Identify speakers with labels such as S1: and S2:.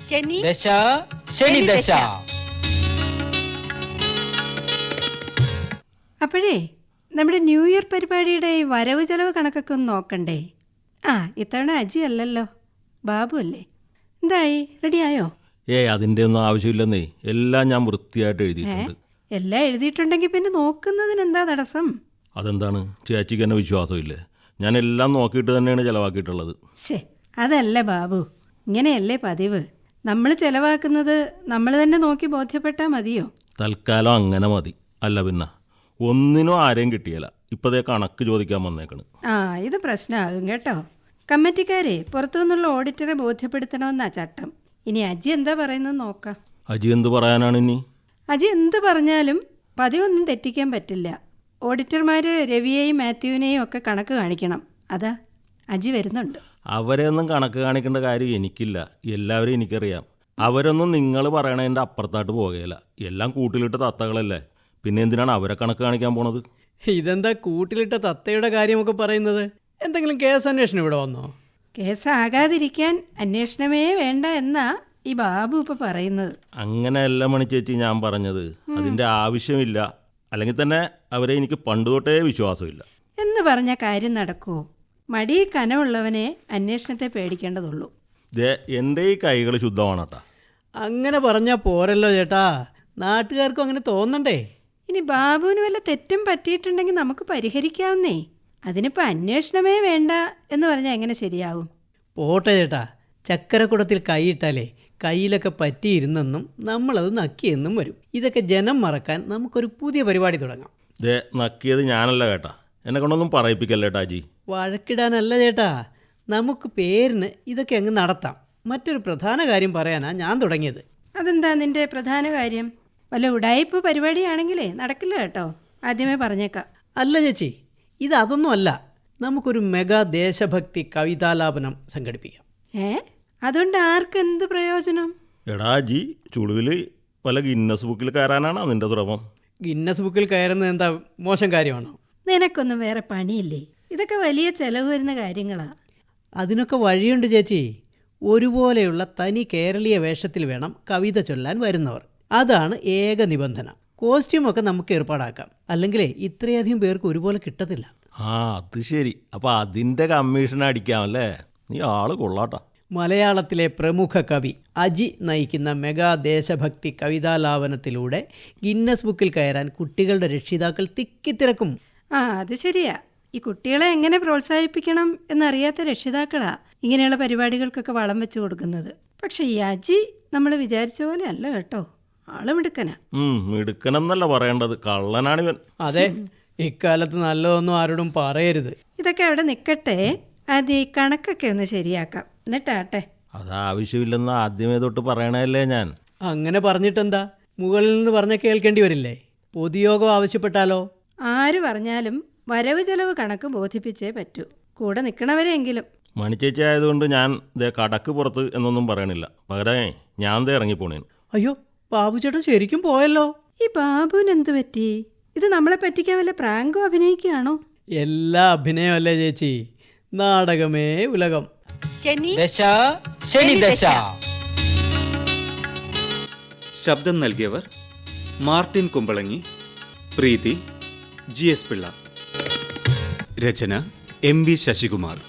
S1: ദശ ശനി ദശ.
S2: അപ്പോഴേ നമ്മുടെ ന്യൂ ഇയർ പരിപാടിയുടെ ഈ വരവ് ചെലവ് കണക്കൊക്കെ ഒന്ന് നോക്കണ്ടേ? ഇത്തവണ അജി അല്ലല്ലോ, ബാബു അല്ലേ? എന്തായി, റെഡിയായോ?
S3: അതിൻ്റെ ഒന്നും ആവശ്യമില്ലെന്നേ, എല്ലാം ഞാൻ വൃത്തിയായിട്ട് എഴുതിയിട്ടുണ്ട്.
S2: എല്ലാം എഴുതിയിട്ടുണ്ടെങ്കിൽ പിന്നെ നോക്കുന്നതിന് എന്താ തടസ്സം?
S3: അതെന്താണ്, ചേച്ചിക്ക് എന്നെ വിശ്വാസമില്ലേ? ഞാൻ എല്ലാം നോക്കിയിട്ട് തന്നെയാണ് ചിലവാക്കിയിട്ടുള്ളത്.
S2: അതല്ല ബാബു, ഇങ്ങനെയല്ലേ പതിവ്. നമ്മൾ ചിലവാക്കുന്നത് നമ്മൾ തന്നെ നോക്കി ബോധ്യപ്പെട്ടാൽ മതിയോ?
S3: തൽക്കാലം അങ്ങനെ മതി. അല്ല പിന്നെ ഒന്നിനും ആരെയും കിട്ടിയല്ല. ഇപ്പതേ കണക്ക് ചോദിക്കാൻ വന്നേക്കണ്.
S2: ഇത് പ്രശ്നമാകും കേട്ടോ. കമ്മിറ്റിക്കാരെ പുറത്തുനിന്നുള്ള ഓഡിറ്ററെ ബോധ്യപ്പെടുത്തണമെന്നാ ചട്ടം. ഇനി അജി എന്താ പറയുന്നത് നോക്കാം.
S3: അജി എന്ത് പറയാനാണ് ഇനി?
S2: അജി എന്ത് പറഞ്ഞാലും പതിവൊന്നും തെറ്റിക്കാൻ പറ്റില്ല. ഓഡിറ്റർമാർ രവിയെയും മാത്യുവിനെയും ഒക്കെ കണക്ക് കാണിക്കണം. അതാ അജി വരുന്നുണ്ട്.
S3: അവരെയൊന്നും കണക്ക് കാണിക്കേണ്ട കാര്യം എനിക്കില്ല. എല്ലാവരും എനിക്കറിയാം. അവരൊന്നും നിങ്ങൾ പറയണതിൻ്റെ അപ്പുറത്തായിട്ട് പോകുകയില്ല. എല്ലാം കൂട്ടിലിട്ട് തത്തകളല്ലേ. പിന്നെ എന്തിനാണ് അവരെ കണക്ക് കാണിക്കാൻ പോണത്?
S1: ഇതെന്താ കൂട്ടിലിട്ട തത്തയുടെ കാര്യമൊക്കെ പറയുന്നത്? എന്തെങ്കിലും കേസ് അന്വേഷണം ഇവിടെ വന്നോ?
S2: കേസാകാതിരിക്കാൻ അന്വേഷണമേ വേണ്ട എന്നാ ഈ ബാബു ഇപ്പൊ പറയുന്നത്.
S3: അങ്ങനെയല്ല മണിച്ചേച്ചി ഞാൻ പറഞ്ഞത്. അതിൻ്റെ ആവശ്യമില്ല. അല്ലെങ്കിൽ തന്നെ അവരെ എനിക്ക് പണ്ട് തൊട്ടേ വിശ്വാസമില്ല
S2: എന്ന് പറഞ്ഞ കാര്യം നടക്കുമോ? മടി കനമുള്ളവനെ അന്വേഷണത്തെ പേടിക്കേണ്ടതുള്ളൂ.
S3: എൻ്റെ ഈ കൈകൾ ശുദ്ധമാണട്ടാ.
S1: അങ്ങനെ പറഞ്ഞാൽ പോരല്ലോ ചേട്ടാ, നാട്ടുകാർക്കും അങ്ങനെ തോന്നണ്ടേ?
S2: ഇനി ബാബുവിന് വല്ല തെറ്റും പറ്റിയിട്ടുണ്ടെങ്കിൽ നമുക്ക് പരിഹരിക്കാവുന്നേ. അതിനിപ്പോൾ അന്വേഷണമേ വേണ്ട എന്ന് പറഞ്ഞാൽ എങ്ങനെ ശരിയാവും?
S1: പോട്ടെ ചേട്ടാ, ചക്കരക്കുടത്തിൽ കൈയിട്ടാലേ കയ്യിലൊക്കെ പറ്റിയിരുന്നെന്നും നമ്മളത് നക്കിയെന്നും വരും. ഇതൊക്കെ ജനം മറക്കാൻ നമുക്കൊരു പുതിയ പരിപാടി തുടങ്ങാം.
S3: നക്കിയത് ഞാനല്ല കേട്ടാ. എന്നെ കൊണ്ടൊന്നും പറയിപ്പിക്കല്ലേട്ടാ ജി.
S1: വഴക്കിടാനല്ല ചേട്ടാ, നമുക്ക് പേരിന് ഇതൊക്കെ അങ്ങ് നടത്താം. മറ്റൊരു പ്രധാന കാര്യം പറയാനാ ഞാൻ തുടങ്ങിയത്.
S2: അതെന്താ നിന്റെ പ്രധാന കാര്യം? വല്ല ഉടായിപ്പ് പരിപാടിയാണെങ്കിലേ നടക്കില്ല കേട്ടോ, ആദ്യമേ പറഞ്ഞേക്കാം.
S1: അല്ല ചേച്ചി, ഇതൊന്നും അല്ല. നമുക്കൊരു മെഗാ ദേശഭക്തി കവിതാലാപനം സംഘടിപ്പിക്കാം.
S2: അതുകൊണ്ട് ആർക്ക് എന്ത് പ്രയോജനം?
S3: എടാ ജി, ചുളുവിൽ വല്ല ഗിന്നസ് ബുക്കിൽ കയറാനാണോ നിന്റെ ശ്രമം?
S1: ഗിന്നസ് ബുക്കിൽ കയറുന്നത് എന്താ മോശം കാര്യമാണോ?
S2: നിനക്കൊന്നും വേറെ പണിയില്ലേ? ഇതൊക്കെ വലിയ ചെലവ് വരുന്ന കാര്യങ്ങളാ.
S1: അതിനൊക്കെ വഴിയുണ്ട് ചേച്ചി. ഒരുപോലെയുള്ള തനി കേരളീയ വേഷത്തിൽ വേണം കവിത ചൊല്ലാൻ വരുന്നവർ. അതാണ് ഏക നിബന്ധന. കോസ്റ്റ്യൂമൊക്കെ നമുക്ക് ഏർപ്പാടാക്കാം. അല്ലെങ്കിലേ ഇത്രയധികം പേർക്ക് ഒരുപോലെ കിട്ടത്തില്ല.
S3: അത് ശരി. അപ്പോൾ അതിൻ്റെ കമ്മീഷൻ അടിക്കാമല്ലേ? നീ ആള് കൊള്ളാട്ടാ.
S1: മലയാളത്തിലെ പ്രമുഖ കവി അജി നയിക്കുന്ന മെഗാ ദേശഭക്തി കവിതാലാപനത്തിലൂടെ ഗിന്നസ് ബുക്കിൽ കയറാൻ കുട്ടികളുടെ രക്ഷിതാക്കൾ തിക്കിത്തിരക്കും.
S2: അത് ശരിയാ. ഈ കുട്ടികളെ എങ്ങനെ പ്രോത്സാഹിപ്പിക്കണം എന്നറിയാത്ത രക്ഷിതാക്കളാ ഇങ്ങനെയുള്ള പരിപാടികൾക്കൊക്കെ വളം വെച്ച് കൊടുക്കുന്നത്. പക്ഷെ ഈ അജി നമ്മൾ വിചാരിച്ച പോലെ അല്ല കേട്ടോ. ആള് മിടുക്കനാ.
S3: മിടുക്കനെന്നല്ല പറയേണ്ടത്, കള്ളനാണിവൻ.
S1: അതെ, ഇക്കാലത്ത് നല്ലതൊന്നും ആരോടും പറയരുത്.
S2: ഇതൊക്കെ അവിടെ നിൽക്കട്ടെ, ആദ്യം ഈ കണക്കൊക്കെ ഒന്ന് ശരിയാക്കാം, എന്നിട്ടാട്ടെ.
S3: അതാവശ്യമില്ലെന്ന് ആദ്യമേ തൊട്ട് പറയണല്ലേ ഞാൻ.
S1: അങ്ങനെ പറഞ്ഞിട്ടെന്താ? മുകളിൽ നിന്ന് പറഞ്ഞ കേൾക്കേണ്ടി വരില്ലേ? പൊതുയോഗം ആവശ്യപ്പെട്ടാലോ?
S2: ആര് പറഞ്ഞാലും വരവ് ചെലവ് കണക്ക് ബോധിപ്പിച്ചേ പറ്റൂ, കൂടെ നിൽക്കണവരെങ്കിലും.
S3: മണിച്ചേച്ചി ആയതുകൊണ്ട് ഞാൻ കടക്ക് പുറത്ത് എന്നൊന്നും പറയണില്ല. പകരമേ ഞാൻ ഇറങ്ങിപ്പോണേന്.
S1: അയ്യോ, ബാബു ചേട്ടൻ ശരിക്കും പോയല്ലോ.
S2: ഈ ബാബുവിന് എന്ത് പറ്റി? ഇത് നമ്മളെ പറ്റിക്കാൻ വല്ല പ്രാങ്കോ അഭിനയിക്കുകയാണോ?
S1: എല്ലാ അഭിനയമല്ലേ ചേച്ചി, നാടകമേ ഉലകം.
S4: ദശ ശനി ദശ.
S5: ശബ്ദം നൽകിയവർ മാർട്ടിൻ കുമ്പളങ്ങി, പ്രീതി, GS പിള്ള. രചന MV ശശികുമാർ.